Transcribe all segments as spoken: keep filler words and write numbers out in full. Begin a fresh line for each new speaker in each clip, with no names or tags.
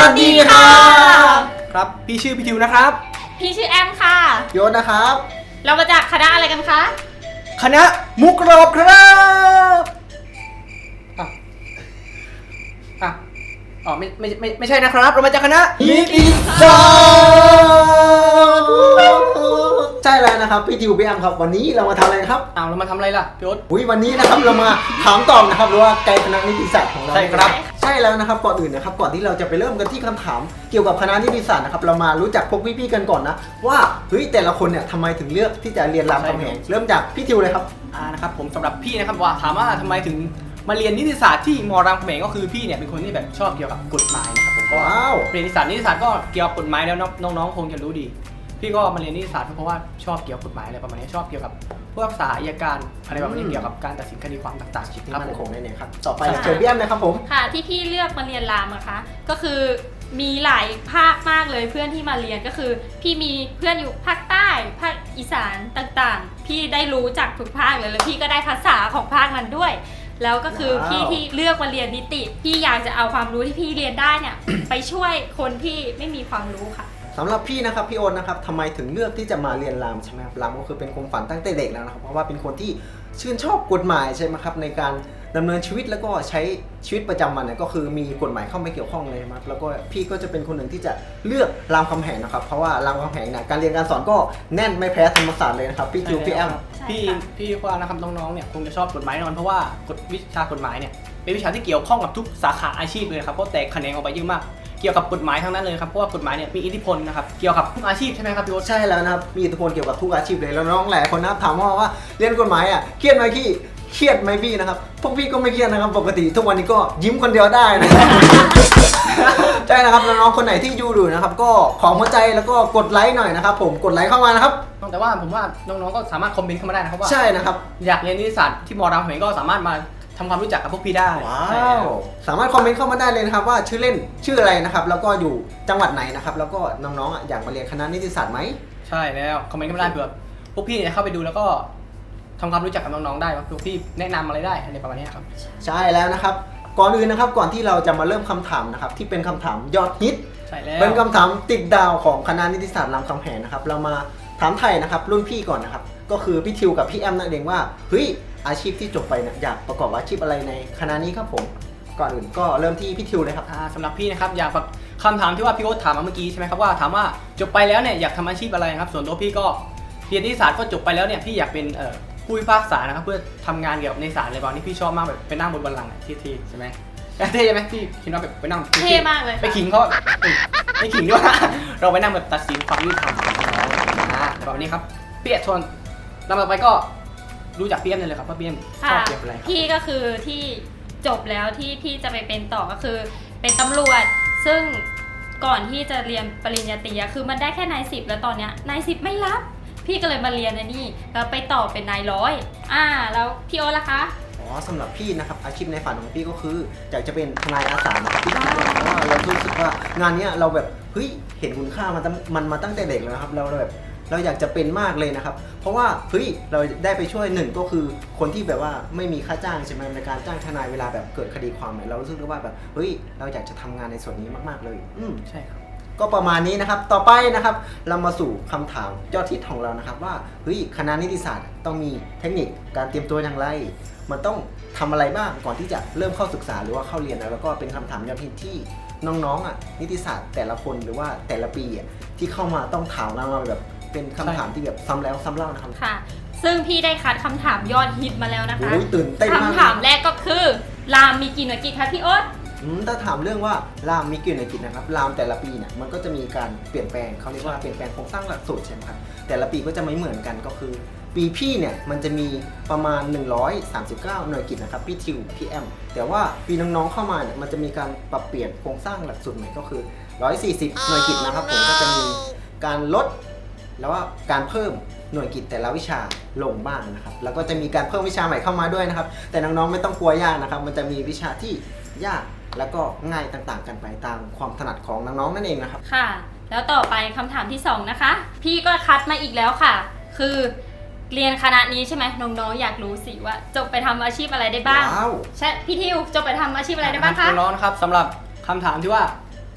วัสดีค่ะครับพี่ชื่อพี่ทิวนะครับ
พี่ชื่อแอมค่ะ
โยนนะครับ
เรามาจากคณะอะไรกันคะ
คณะมุกรอบครับอ่ะอ่ะอ๋อไม่ไม่ไม่ไม่ใช่นะครับเรามาจากคณะนิติศาสตร์
ใช่แล้วนะครับพี่ทิวพี่แอมครับวันนี้เรามาทำอะไรครับ
อ้าวเรามาทำอะไรล่ะพี่โอ๊ต
อุ้ยวันนี้นะครับเรามาถามตอบนะครับหรือว่าไกด์คณะนิติศาสตร์ของเรา
ใช่ครับ
ใช่แล้วนะครับก่อนอื่นนะครับก่อนที่เราจะไปเริ่มกันที่คำถามเกี่ยวกับคณะนิติศาสตร์นะครับเรามารู้จักพวกพี่ๆกันก่อนนะว่าเฮ้ยแต่ละคนเนี่ยทำไมถึงเลือกที่จะเรียนรามคำแหงเริ่มจากพี่ทิวเลยครับ
อ่านะครับผมสำหรับพี่นะครับว่าถามว่าทำไมถึงมาเรียนนิติศาสตร์ที่มอรามคำแหงก็คือพี่เนี่ยเป็นคนที่แบบชอบเกี่ยวกับกฎหมายนะครับผมก็เรียนนิติศาสตร์นิติศาสตร์ก็เกี่ยวกับกฎหมายแล้วน้องๆคงจะรู้ดีพี่ก็มาเรียนนิติศาสตร์เพราะว่าชอบเกี่ยวกับกฎหมายอะไรประมาณนี้ชอบเกี่ยวกับพวกศาลอัยการอะไรประมาณนี้เกี่ยวกับการตัดสินคดีความต่างๆ
ครับผมเนี่ยครับต่อไปเจอพี่แอมนะครับผม
ค่ะที่พี่เลือกมาเรียนรามนะคะก็คือมีหลายภาคมากเลยเพื่อนที่มาเรียนก็คือพี่มีเพื่อนอยู่ภาคใต้ภาคอีสานต่างๆพี่ได้รู้จักทุกภาคเลยแล้วพี่ก็ได้ภาษาของภาคนั้นด้วยแล้วก็คือพี่ที่เลือกมาเรียนนิติพี่อยากจะเอาความรู้ที่พี่เรียนได้เนี่ย ไปช่วยคนที่ไม่มีความรู้ค่ะ
สำหรับพี่นะครับพี่โอนนะครับทำไมถึงเลือกที่จะมาเรียนรามใช่ไหมครับรามก็คือเป็นความฝันตั้งแต่เด็กแล้วนะครับเพราะว่าเป็นคนที่ชื่นชอบกฎหมายใช่ไหมครับในการดำเนินชีวิตแล้วก็ใช้ชีวิตประจำวันเนี่ยก็คือมีกฎหมายเข้ามาเกี่ยวข้องเลยครับแล้วก็พี่ก็จะเป็นคนหนึ่งที่จะเลือกรามคำแหงนะครับเพราะว่ารามคำแหงเนี่ยการเรียนการสอนก็แน่นไม่แพ้ธรรมศาสตร์เลยนะครับพี่จิวพี่แอม
พี่พี่ว่านะครับน้องๆเนี่ยคงจะชอบกฎหมายแน่นอนเพราะว่ากฎวิชากฎหมายเนี่ยเป็นวิชาที่เกี่ยวข้องกับทุกสาขาอาชีพเลยครับเพราะแตกแขนงออกไปเยอะมากเกี่ยวกับกฎหมายทั้งนั้นเลยครับเพราะว่ากฎหมายเนี่ยมีอิทธิพลนะครับเกี่ยวกับทุกอาชีพใช่ไหมครับพี่โอ๊ต
ใช่แล้วนะครับมีอิทธิพลเกี่ยวกับทุกอาชีพเลยแล้วน้องหลายคนนะครับถามว่าว่าเรียนกฎหมายอ่ะเครียดไหมพี่เครียดไหมพี่นะครับพวกพี่ก็ไม่เครียดนะครับปกติทุกวันนี้ก็ยิ้มคนเดียวได้นะครับใช่นะครับน้องๆคนไหนที่อยู่ดูนะครับก็ขอหัวใจแล้วก็กดไลค์หน่อยนะครับผมกดไลค์เข้ามานะครับ
แต่ว่าผมว่าน้องๆก็สามารถคอมเมนต์เข้ามาได้นะครับว่า
ใช่นะครับ
อยากเรียนนิติศาสตร์ที่มอรามคำแหงก็สามารถมาทำความรู้จักกับพวกพี่ได้
ว้าวสามารถคอมเมนต์เข้ามาได้เลยนะครับว่าชื่อเล่นชื่ออะไรนะครับแล้วก็อยู่จังหวัดไหนนะครับแล้วก็น้องๆอยากมาเรียนคณะนิติศาสตร์ไหม
ใช่แล้วคอมเมนต์เข้ามาได้เผื่อพวกพี่เนี่ยเข้าไปดูแล้วก็ทำความรู้จักกับน้องๆได้ว่าพวกพี่แนะนำอะไรได้อะไรประมาณนี้ครับ
ใช่แล้วนะครับก่อนอื่นนะครับก่อนที่เราจะมาเริ่มคำถามนะครับที่เป็นคำถามยอดฮิต
ใช่แล้ว
เป็นคำถามติดดาวของคณะนิติศาสตร์รามคำแหงนะครับเรามาถามไทยนะครับรุ่นพี่ก่อนนะครับก็คือพี่ทิวกับพี่แอมนั่นเองว่าเฮ้ยอาชีพที่จบไปเนี่ยอยากประกอบอาชีพอะไรในคณะนี้ครับผมก่อนอื่นก็เริ่มที่พี่ทิวเลยครับ
สำหรับพี่นะครับอยากแบบคำถามที่ว่าพี่โอ๊ตถามมาเมื่อกี้ใช่ไหมครับว่าถามว่าจบไปแล้วเนี่ยอยากทำอาชีพอะไรครับส่วนตัวพี่ก็เรียนนิติศาสตร์ก็จบไปแล้วเนี่ยพี่อยากเป็นเอ่อผู้พิพากษานะครับเพื่อทำงานเกี่ยวกับในศาลอะไรบางที่พี่ชอบมากแบบไปนั่งบนบัลลังก์ที่ที่ใช่ไหไหมเท่ใช่ไหมพี่คิดว่าแบบไปนั่ง
เท่มากเลย
ไปขิงเขาไปขิงด้วยเราไปนั่งแบบตัดสินความยุติธรรมอ่าแบบนี้ครับพี่เอ็ดชวนลำต่อไปก็รู้จักพี่เอ็มเลยครับว่าพี่เอ็มชอบเกี่ยวกับอะไร
พี่ก็คือที่จบแล้วที่พี่จะไปเป็นต่อก็คือเป็นตำรวจซึ่งก่อนที่จะเรียนปริญญาตรีคือมันได้แค่นายสิบแล้วตอนเนี้ยนายสิบไม่รับพี่ก็เลยมาเรียนอันนี้แล้วไปต่อเป็นนายร้อยอ่าแล้วพี่โอ๊ตล่ะคะ
อ๋อสำหรับพี่นะครับอาชีพในฝันของพี่ก็คืออยากจะเป็นทนายอาสานะครับพี่คิดว่าเพราะว่าเรารู้สึกว่างานนี้เราแบบเฮ้ยเห็นคุณค่ามันมันมาตั้งแต่เด็กแล้วครับเราแบบเราอยากจะเป็นมากเลยนะครับเพราะว่าเฮ้ยเราได้ไปช่วยหนึ่งก็คือคนที่แบบว่าไม่มีค่าจ้างใช่ไหมในการจ้างทนายเวลาแบบเกิดคดีความเนี่ยเรารู้สึกว่าแบบเฮ้ยเราอยากจะทำงานในส่วนนี้มากๆเลยอืม
ใช่ครับ
ก็ประมาณนี้นะครับต่อไปนะครับเรามาสู่คำถามยอดฮิตของเรานะครับว่าเฮ้ยคณะนิติศาสตร์ต้องมีเทคนิคการเตรียมตัวอย่างไรมันต้องทำอะไรบ้างก่อนที่จะเริ่มเข้าศึกษาหรือว่าเข้าเรียนแล้วก็เป็นคำถามยอดฮิตที่น้องๆอ่ะนิติศาสตร์แต่ละคนหรือว่าแต่ละปีอ่ะที่เข้ามาต้องถามเราแบบเป็นคำถามที่แบบซ้ำแล้วซ้ำเล่านะครับ
ค่ะซึ่งพี่ได้คัดคำถามยอดฮิตมาแล้วนะคะ
โอ้ยตื่นเต้นมาก
คำถามแรกก็คือรามมีกี่หน่วยกิจคะพี่โอ๊ต
ถ้าถามเรื่องว่ารามมีกี่หน่วยกิจนะครับรามแต่ละปีเนี่ยมันก็จะมีการเปลี่ยนแปลงเขาเรียกว่าเปลี่ยนแปลงโครงสร้างหลักสูตรใช่ไหมครับแต่ละปีก็จะไม่เหมือนกันก็คือปีพี่เนี่ยมันจะมีประมาณหนึ่งร้อยสามสิบเก้าหน่วยกิจนะครับพี่ทิวพี่แอมแต่ว่าปีน้องๆเข้ามาเนี่ยมันจะมีการปรับเปลี่ยนโครงสร้างหลักสูตรใหม่ก็คือหนึ่งร้อยสี่สิบหน่วยกิจนะครับผมก็จะมีการลดแล้วว่าการเพิ่มหน่วยกิจแต่ละวิชาลงบ้างนะครับแล้วก็จะมีการเพิ่มวิชาใหม่เข้ามาด้วยนะครับแต่น้องๆไม่ต้องกลัวยากนะครับมันจะมีวิชาที่ยากแล้วก็ง่ายต่างๆกันไปตามความถนัดของน้องๆนั่นเองนะครับ
ค่ะแล้วต่อไปคำถามที่สองนะคะพี่ก็คัดมาอีกแล้วค่ะคือเรียนคณะนี้ใช่ไหมน้องๆอยากรู้สิว่าจบไปทำอาชีพอะไรได้บ้างใช่พี่ทิวจบไปทำอาชีพอะไรได้บ้างคะ
น้องๆนะครับสำหรับคำถามที่ว่า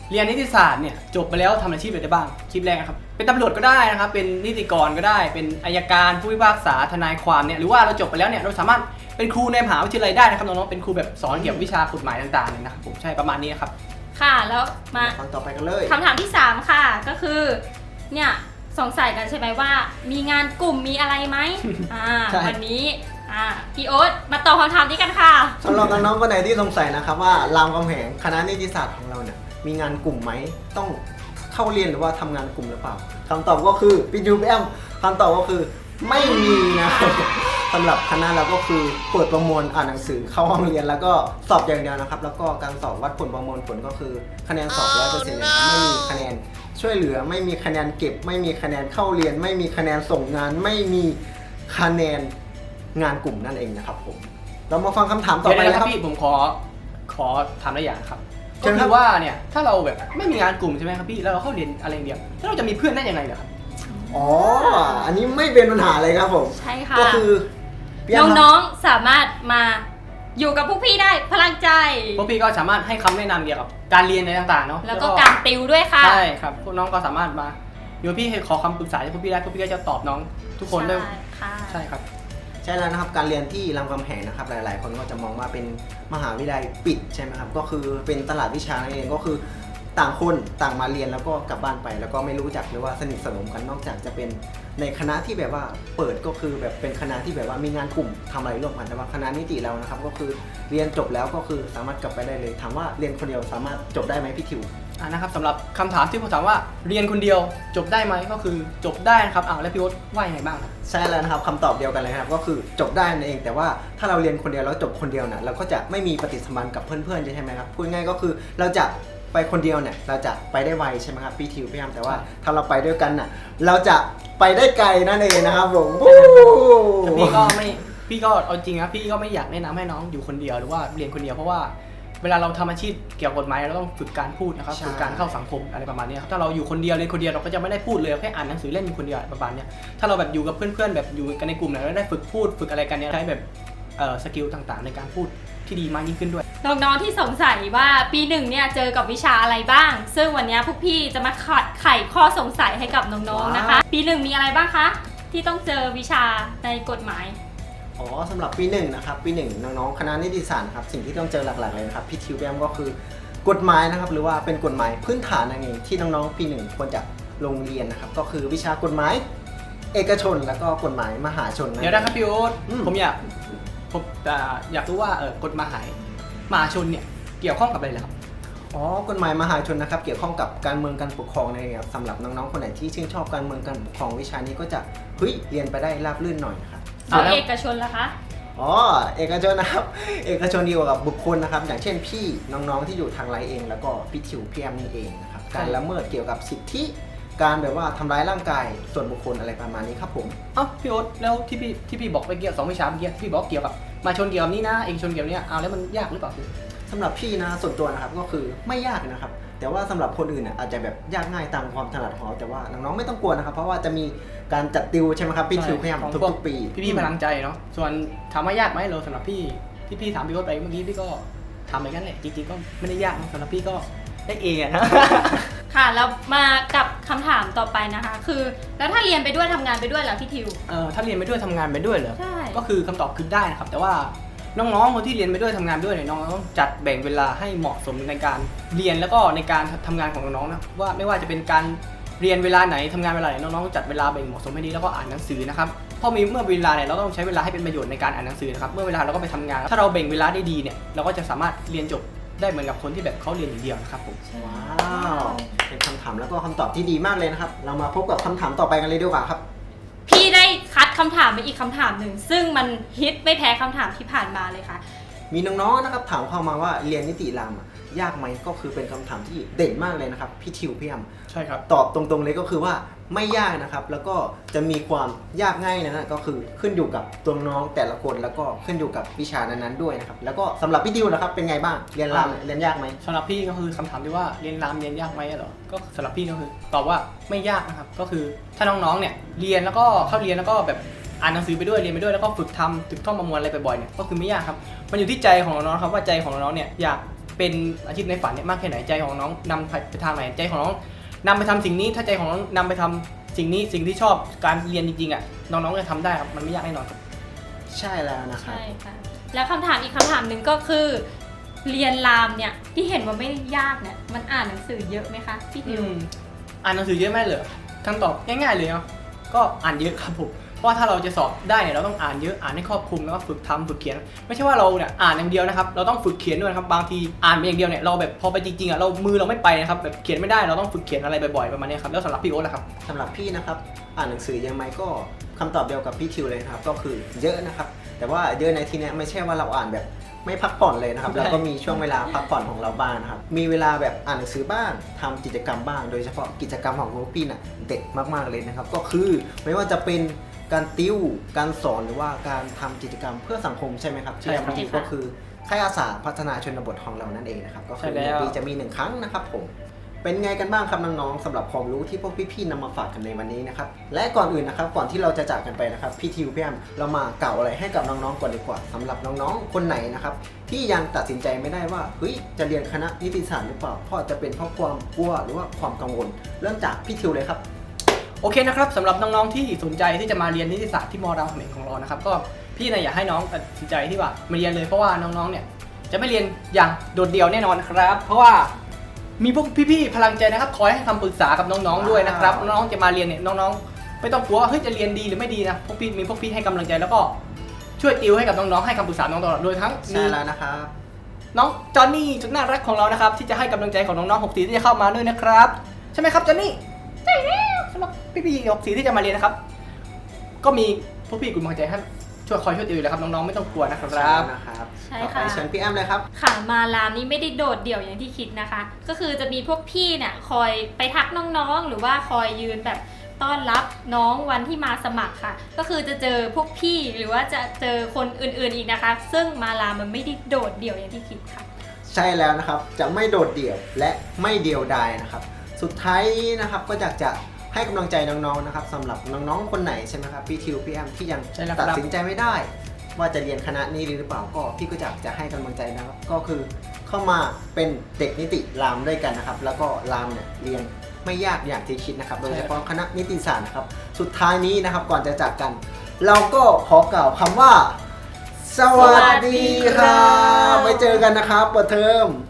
เรียนนิติศาสตร์เนี่ยจบไปแล้วทำอาชีพอะไรได้บ้างคลิปแรกนะครับเป็นตำรวจก็ได้นะครับเป็นนิติกรก็ได้เป็นอัยการผู้พิพากษาทนายความเนี่ยหรือว่าเราจบไปแล้วเนี่ยเราสามารถเป็นครูในมหาวิทยาลัยได้นะครับน้องๆเป็นครูแบบสอนเกี่ยวกับวิชากฎหมายต่างๆเนี่ยนะครับผมใช่ประมาณนี้ครับ
ค่ะแล้วมา
ฟังต่อไปกันเลย
คำถามที่สามค่ะก็คือเนี่ยสงสัยกันใช่ไหมว่ามีงานกลุ่มมีอะไรไหม อ่า
ใช่
วันนี้อ่าพี่โอ๊ตมาตอบคำถามนี้กันค่ะ
สำหรับน้องๆคนไหนที่สงสัยนะครับว่ารามคำแหงคณะนิติศาสตร์ของเราเนี่ยมีงานกลุ่มไหมต้องเข้าเรียนหรือว่าทำงานกลุ่มหรือเปล่าคำตอบก็คือพี่ยูแอมคำตอบก็คือไม่มีนะครับ สำหรับคณะเราก็คือเปิดประมวลอ่านหนังสือเข้าห้องเรียนแล้วก็สอบอย่างเดียวนะครับแล้วก็การสอบวัดผลประมวลผลก็คือคะแนนสอบร้อยเปอร์เซ็นต์เลยครับไม่มีคะแนนช่วยเหลือไม่มีคะแนนเก็บ ไม่มีคะแนนเข้าเรียน ไม่มีคะแนนส่งงาน ไม่มีคะแนนงานกลุ่มนั่นเองนะครับผมเรามาฟังคำถามต่อ
เดี๋ยว
ไป
นะ
นะ
ค
ค
รั
รั
บบ พี่ผมขอขอถามได้อย่างครับ
เชิ
ก็
ญครั
คื
บ
อว่าเนี่ยถ้าเราแบบไม่มีงานกลุ่มใช่ไหมครับพี่แล้วเราเข้าเรียนอะไรอย่างเดียวแล้วเราจะมีเพื่อนได้ยังไงเหรอครับ
อ๋ออันนี้ไม่เป็นปัญหาเลยครับผม
ใช่ค่ะ
ก็คือพี่แอมครับ
น้องๆสามารถมาอยู่กับพวกพี่ได้พลังใจ
พวกพี่ก็สามารถให้คำแนะนำเกี่ยวกับการเรียนอะไรต่างๆเนาะ
แล้วก็การติวด้วยค่ะ
ใช่ครับพวกน้องก็สามารถมาเดี๋ยวพี่ให้ขอคำปรึกษาจากพวกพี่ได้พวกพี่ก็จะตอบน้องทุกคนได้
ใช่ค่ะ
ใช่ครับ
ใช่แล้วนะครับการเรียนที่รามคำแหงนะครับหลาย ๆ คนก็จะมองว่าเป็นมหาวิทยาลัยปิดใช่ไหมครับก็คือเป็นตลาดวิชานั่นเองก็คือต่างคนต่างมาเรียนแล้วก็กลับบ้านไป แล้วก็ไม่รู้จักหรือว่าสนิทสนมกันนอกจากจะเป็นในคณะที่แบบว่าเปิดก็คือแบบเป็นคณะที่แบบว่ามีงานกลุ่มทำอะไรร่วมกันแต่ว่าคณะนิติเรานะครับก็คือเรียนจบแล้วก็คือสามารถกลับไปได้เลยถามว่าเรียนคนเดียวสามารถจบได้ไหมพี่ทิว
อ่านะครับสำหรับคำถามที่ผมถามว่าเรียนคนเดียวจบได้ไหมก็คือจบได้นะครับอ้าวแล้วพี่โอ๊ตว่ายังไงบ้างครับ
ใช่แล้วนะครับคำตอบเดียวกันเลยครับก็คือจบได้นั่นเองแต่ว่าถ้าเราเรียนคนเดียวแล้วจบคนเดียวเนี่ยเราก็จะไม่มีปฏิสัมพันธ์กับเพื่อนๆใช่ไหมครับพูดง่ายๆก็คือเราจะไปคนเดียวเนี่ยเราจะไปได้ไวใช่ไหมครับพี่ทิวพี่แอมแต่ว่าถ้าเราไปด้วยกันน่ะเราจะไปได้ไกลนั่นเองนะครับผม
แต่พี่ก็ไม่พี่ก็เอาจริงนะพี่ก็ไม่อยากแนะนำให้น้องอยู่คนเดียวหรือว่าเรียนคนเดียวเพราะว่าเวลาเราทำอาชีพเกี่ยวกับกฎหมายเราต้องฝึกการพูดนะครับฝึกการเข้าสังคมอะไรประมาณนี้ครับถ้าเราอยู่คนเดียวเรียนคนเดียวเราก็จะไม่ได้พูดเลยแค่อ่านหนังสือเล่นอยู่คนเดียวประมาณนี้ถ้าเราแบบอยู่กับเพื่อนๆแบบอยู่กันในกลุ่มเนี่ยเราได้ฝึกพูดฝึกอะไรกันเนี่ยใช้แบบเอ่อสกิลต่างๆ ในการพูดที่ดีมากยิ่งขึ้นด้วย
น้องๆที่สงสัยว่าปีหนึ่งเนี่ยเจอกับวิชาอะไรบ้าง ซึ่งวันนี้พวกพี่จะมาขัดไขข้อสงสัยให้กับน้องๆนะคะ ปีหนึ่งมีอะไรบ้างคะที่ต้องเจอวิชาในกฎหมาย
อ๋อสำหรับปีหนึ่งนะครับปีหนึ่งน้องๆคณะนิติศาสตร์ครับสิ่งที่ต้องเจอหลักๆเลยนะครับพี่ทิวแบมก็คือกฎหมายนะครับหรือว่าเป็นกฎหมายพื้นฐานนั่นเองที่น้องๆปีหนึ่งควรจะลงเรียนนะครับก็คือวิชากฎหมายเอกชนแล้วก็กฎหมายมหาชนนะ
เดี๋ยวนะครับพี่โอ๊ต
อืม
ผมอยากผมอ่าอยากรู้ว่าเออกฎหมายมหาชนเนี่ยเกี่ยวข้องกับอะไรเหรอครับ
อ๋อกฎหมายมหาชนนะครับเกี่ยวข้องกับการเมืองการปกครองนั่นเองครับสำหรับน้องๆคนไหนที่ชื่นชอบการเมืองการปกครองวิชานี้ก็จะเฮ้ยเรียนไปได้ราบรื่นหน่อยนะครับ
เอาเอกชนละคะ
อ๋อเอกชนนะครับ เอกชนเดียวกับบุคคลนะครับอย่างเช่นพี่น้องๆที่อยู่ทางไลน์เองแล้วก็พี่ทิวพี่แอมนี่เองนะครับการละเมิดเกี่ยวกับสิทธิการแบบว่าทำร้ายร่างกายส่วนบุคคลอะไรประมาณนี้ครับผม
เอ้าพี่โอ๊ตแล้วที่พี่ที่พี่บอกไปเกี่ยวสองวิชาเมื่อกี้ที่พี่บอกเกี่ยวกับมหาชนเกี่ยวกับนี่นะเอกชนเกี่ยวกับเนี่ยเอาแล้วมันยากหรือเปล่าพี่
สำหรับพี่นะส่วนตัวนะครับก็คือไม่ยากนะครับแต่ว่าสำหรับคนอื่นน่ะอาจจะแบบยากง่ายตามความถนัดของเขาแต่ว่าน้องๆไม่ต้องกลัวนะครับเพราะว่าจะมีการจัดติวใช่ไหมครับพี่ทิวพี่แอม
ของ
ทุ
พว
กๆปี
พี่พี่ๆพลังใจเนาะส่วนถามว่ายากไหมเราสำหรับพี่ที่พี่ถามพี่โอ๊ตไปเมื่อกี้พี่ก็ทำไปกันแหละจริงๆก็ไม่ได้ยากนะสำหรับพี่ก็ได้เออะนะ
ค่ะแล้วมากับคำถามต่อไปนะคะ คือแล้วถ้าเรียนไปด้วยทำงานไปด้วยเหรอพี่ทิว
เออถ้าเรียนไปด้วยทำงานไปด้วยเหรอ
ใช่
ก็คือคำตอบคือได้นะครับแต่ว่าน้องๆคนที่เรียนไปด้วยทำงานไปด้วยเนี่ยน้องต้องจัดแบ่งเวลาให้เหมาะสมในการเรียนแล้วก็ในการทำงานของน้องๆนะว่าไม่ว่าจะเป็นการเรียนเวลาไหนทำงานเวลาไหนน้องๆต้องจัดเวลาแบ่งเหมาะสมให้ดีแล้วก็อ่านหนังสือนะครับเพราะมีเมื่อเวลาเนี่ยเราต้องใช้เวลาให้เป็นประโยชน์ในการอ่านหนังสือนะครับเมื่อเวลาเราก็ไปทำงาน ถ้าเราแบ่งเวลาได้ดีเนี่ยเราก็จะสามารถเรียนจบได้เหมือนกับคนที่แบบเขาเรียนอย่างเดียวนะครับผม
ว้าวเป็นคำถามแล้วก็คำตอบที่ดีมากเลยนะครับเรามาพบกับคำถามต่อไปกันเลยดีกว่าครับ
พี่ได้คัดคำถามไปอีกคำถามหนึ่งซึ่งมันฮิตไม่แพ้คำถามที่ผ่านมาเลยค่ะ
มีน้องๆนะครับถามเข้ามาว่าเรียนนิติรามอะยากไหมก็คือเป็นคำถามที่เด่นมากเลยนะครับพี่ทิวพี่แอม
ใช่ครับ
ตอบตรงๆเลยก็คือว่าไม่ยากนะครับแล้วก็จะมีความยากง่ายนะฮะก็คือขึ้นอยู่กับตัวน้องแต่ละคนแล้วก็ขึ้นอยู่กับวิชานั้นๆด้วยนะครับแล้วก็สำหรับพี่ดิวนะครับเป็นไงบ้างเรียนรามเรียนยากไหม
สำหรับพี่ก็คือคำถามที่ว่าเรียนรามเรียนยากไหมเหรอก็สำหรับพี่ก็คือตอบว่าไม่ยากนะครับก็คือถ้าน้องๆเนี่ยเรียนแล้วก็เข้าเรียนแล้วก็แบบอ่านหนังสือไปด้วยเรียนไปด้วยแล้วก็ฝึกทำฝึกท่องประมวลอะไรบ่อยๆเนี่ยก็คือไม่ยากครับมันอยู่ที่ใจของน้องๆครับว่าใจของน้องๆเนี่ยอยากเป็นอาชีพในฝันเนี่ยมากแค่ไหนใจของน้องนำไปทางไหนใจของน้องนำไปทำสิ่งนี้ถ้าใจของน้องนำไปทำสิ่งนี้สิ่งที่ชอบการเรียนจริงๆอ่ะน้องๆจะทำได้ครับมันไม่ยากแน่นอนครับ
ใช่แล้วนะครับ
ใช่ค่ะแล้วคำถามอีกคำถามหนึ่งก็คือ เรียนรามเนี่ยที่เห็นว่าไม่ได้ยากเนี่ยมันอ่านหนังสือเยอะไหมคะพี่ทิว
อืมอ่านหนังสือเยอะไหมเหรอคำตอบง่ายๆเลยเนาะก็อ่านเยอะครับผมเพราะว่าถ้าเราจะสอบได้เนี่ยเราต้องอ่านเยอะอ่านให้ครอบคลุมแล้วก็ฝึกทำฝึกเขียน ไม่ใช่ว่าเราเนี่ยอ่านอย่างเดียวนะครับเราต้องฝึกเขียนด้วยนะครับบางทีอ่านไปอย่างเดียวเนี่ยเราแบบพอไปจริงๆอ่ะเรามือเราไม่ไปนะครับแบบเขียนไม่ได้เราต้องฝึกเขียนอะไรบ่อยๆประมาณนี้ครับแล้วสำหรับพี่โอ๊ตล่ะครับ
สำหรับพี่นะครับอ่านหนังสือเยอะไหมก็คำตอบเดียวกับพี่ทิวเลยนะครับก็คือเยอะนะครับแต่ว่าเยอะในที่เนี้ยไม่ใช่ว่าเราอ่านแบบไม่พักผ่อนเลยนะครับ
ใช่
เราก็มีช่วงเวลาพักผ่อนของเราบ้างนะครับมีเวลาแบบอ่านหนังสือบ้างทำกิจกรรมบ้าง โดยเฉพาะกิจกรรมของพวกพี่น่ะเด็ดมากๆเลยนะครับก็คือไม่ว่าจะเป็นการติวการสอนหรือว่าการทำกิจกรรมเพื่อสังคมใช่ไหมครับ
ใช่ครับ
ที่ก็คือค่ายอาสาพัฒนาชนบทของเรานั่นเองนะครับก็คือ
ใช่แล้ว
ปีจะมีหนึ่งครั้งนะครับผม เป็นไงกันบ้างครับน้องๆสำหรับความรู้ที่พวกพี่ๆนำมาฝากกันในวันนี้นะครับและก่อนอื่นนะครับก่อนที่เราจะจากกันไปนะครับพี่ทิวพี่แอมเรามากล่าวอะไรให้กับน้องๆก่อนดีกว่าสำหรับน้องๆคนไหนนะครับที่ยังตัดสินใจไม่ได้ว่าเฮ้ยจะเรียนคณะนิติศาสตร์หรือเปล่าเพราะจะเป็นเพราะความกลัวหรือว่าความกังวลเริ่มจากพี่ทิวเลยครับ
โอเคนะครับสำหรับน้องๆที่สนใจที่จะมาเรียนนิติศาสตร์ที่มอรามคำแหงของเรานะครับก็พี่เนี่ยอยากให้น้องตัดสินใจที่ว่ามาเรียนเลยเพราะว่าน้องๆเนี่ยจะไม่เรียนอย่างโดดเดี่ยวแน่นอนครับเพราะว่ามีพวกพี่ๆพลังใจนะครับคอยให้คำปรึกษากับน้องๆด้วยนะครับน้องๆจะมาเรียนเนี่ยน้องๆไม่ต้องกลัวว่าเฮ้ยจะเรียนดีหรือไม่ดีนะพวกพี่มีพวกพี่ให้กำลังใจแล้วก็ช่วยติวให้กับน้องๆให้คำปรึกษาน้องตลอดโดยทั้งมี
ใช่แล้วนะครับ
น้องจอนนี่จุดน่ารักของเรานะครับที่จะให้กำลังใจของน้องๆหกสีที่จะเข้ามาด้วยนะครับใช่ไหมครับจอนนี่ใช่แล้วสำหรับพี่ๆหกสีที่จะมาเรียนนะครับก็มีพวกพี่กลุ่มกำลังใจให้ช่วยคอยช่วยติวอยู่แล้วครับน้องๆไม่ต้องกลัวนะครับ
นะครับ
ใช่
ต่อไป
ค่ะ
เชิญพี่แอมเลยครับ
ค่ะมารามนี้ไม่ได้โดดเดี่ยวอย่างที่คิดนะคะ ก็คือจะมีพวกพี่เนี่ยคอยไปทักน้องๆ หรือว่าคอยยืนแบบต้อนรับน้องวันที่มาสมัครค่ะ ก็คือจะเจอพวกพี่หรือว่าจะเจอคนอื่นๆอีกนะคะ ซึ่งมารามมันไม่ได้โดดเดี่ยวอย่างที่คิดค่ะ
ใช่แล้วนะครับจะไม่โดดเดี่ยวและไม่เดียวดายนะครับสุดท้ายนี้นะครับก็อยากจะให้กำลังใจน้องๆนะครับสำหรับน้องๆคนไหนใช่ไหมครับพี่ทิวพี่แอมที่ยัง
ใช่แล้วครับ
ตัดสินใจไม่ได้ ว่าจะเรียนคณะนี้หรือเปล่าก็พี่ก็อยากจะให้กำลังใจนะครับก็คือเข้ามาเป็นเด็กนิติรามด้วยกันนะครับแล้วก็รามเนี่ยเรียนไม่ยากอย่างที่คิดนะครับโดยเฉพาะคณะนิติศาสตร์นะครับสุดท้ายนี้นะครับก่อนจะจากกัน เราก็ขอกล่าวคำว่า สวัสดีครับไว้เจอกันนะครับเปิดเทอม